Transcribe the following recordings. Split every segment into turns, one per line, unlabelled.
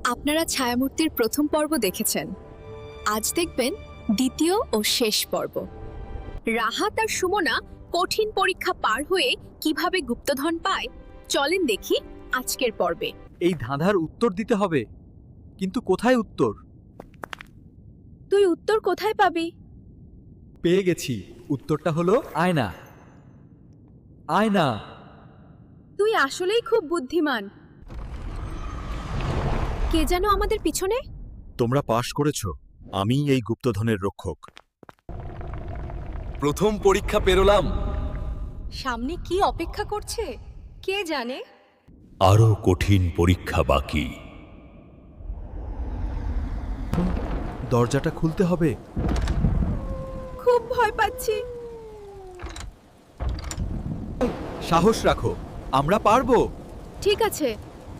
আপনারা ছায়ামূর্তির প্রথম পর্ব দেখেছেন। আজ দেখবেন দ্বিতীয় ও শেষ পর্ব। রাহাত আর সুমনা কঠিন পরীক্ষা পার হয়ে কিভাবে গুপ্তধন পায়, চলেন দেখি আজকের পর্বে।
এই ধাঁধার উত্তর দিতে হবে, কিন্তু কোথায় উত্তর?
তুই উত্তর কোথায় পাবি?
পেয়ে গেছি, উত্তরটা হলো আয়না। আয়না।
তুই আসলেই খুব বুদ্ধিমান। কে যেন আমাদের পিছনে?
তোমরা পাশ করেছ, আমিই এই গুপ্তধনের রক্ষক।
প্রথম পরীক্ষা পেরোলাম।
সামনে কি অপেক্ষা করছে কে জানে।
আরো কঠিন পরীক্ষা বাকি।
দরজাটা খুলতে হবে।
খুব ভয় পাচ্ছি।
সাহস রাখো, আমরা পারবো।
ঠিক আছে।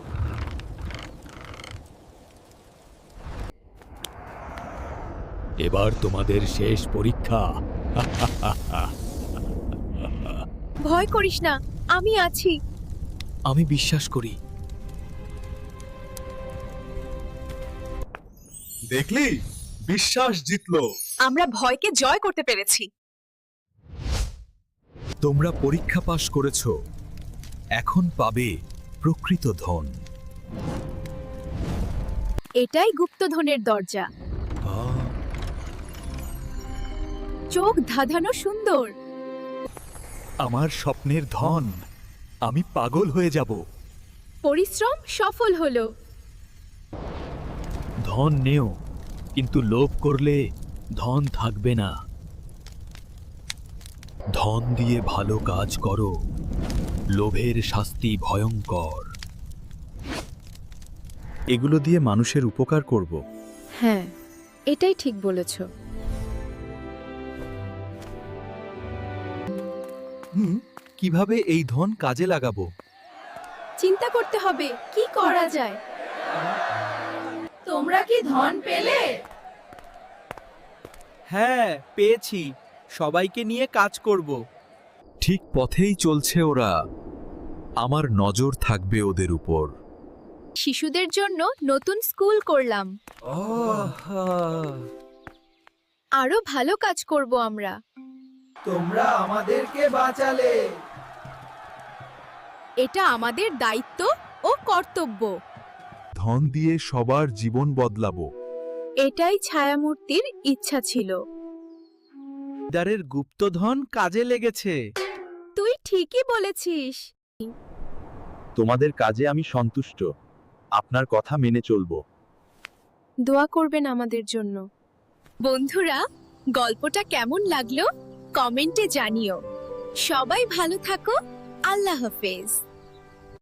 এবার তোমাদের শেষ পরীক্ষা।
ভয় করিস না, আমি আছি।
আমি বিশ্বাস করি।
দেখলি, বিশ্বাস জিতলো।
আমরা ভয়কে জয় করতে পেরেছি।
তোমরা পরীক্ষা পাশ করেছ, এখন পাবে প্রকৃত ধন।
এটাই গুপ্তধনের দরজা। চোখ ধাঁধানো সুন্দর।
আমার স্বপ্নের ধন, আমি পাগল হয়ে যাব।
পরিশ্রম সফল হলো।
ধন নেও, কিন্তু লোভ করলে ধন থাকবে না। ধন দিয়ে ভালো কাজ করো, লোভের শাস্তি ভয়ঙ্কর।
এগুলো দিয়ে মানুষের উপকার করব।
হ্যাঁ, এটাই ঠিক বলেছ।
কিভাবে এই ধন কাজে লাগাবো?
চিন্তা করতে হবে কি করা যায়। তোমরা কি ধন পেলে?
হ্যাঁ, পেয়েছি। সবাইকে নিয়ে কাজ করব।
ঠিক পথেই চলছে ওরা, আমার নজর থাকবে ওদের উপর।
শিশুদের জন্য নতুন স্কুল করলাম। আরো ভালো কাজ করব আমরা।
তোমরা আমাদেরকে বাঁচালে।
এটা আমাদের দায়িত্ব ও কর্তব্য।
ধন দিয়ে সবার জীবন বদলাবো।
এটাই ছায়ামূর্তির ইচ্ছা ছিল।
দারের গুপ্তধন কাজে লেগেছে।
তুই ঠিকই বলেছিস।
তোমাদের কাজে আমি সন্তুষ্ট, আপনার কথা মেনে চলবো।
দোয়া করবেন আমাদের জন্য। বন্ধুরা, গল্পটা কেমন লাগলো কমেন্টে জানিও। সবাই ভালো থাকো। আল্লাহ হাফেজ।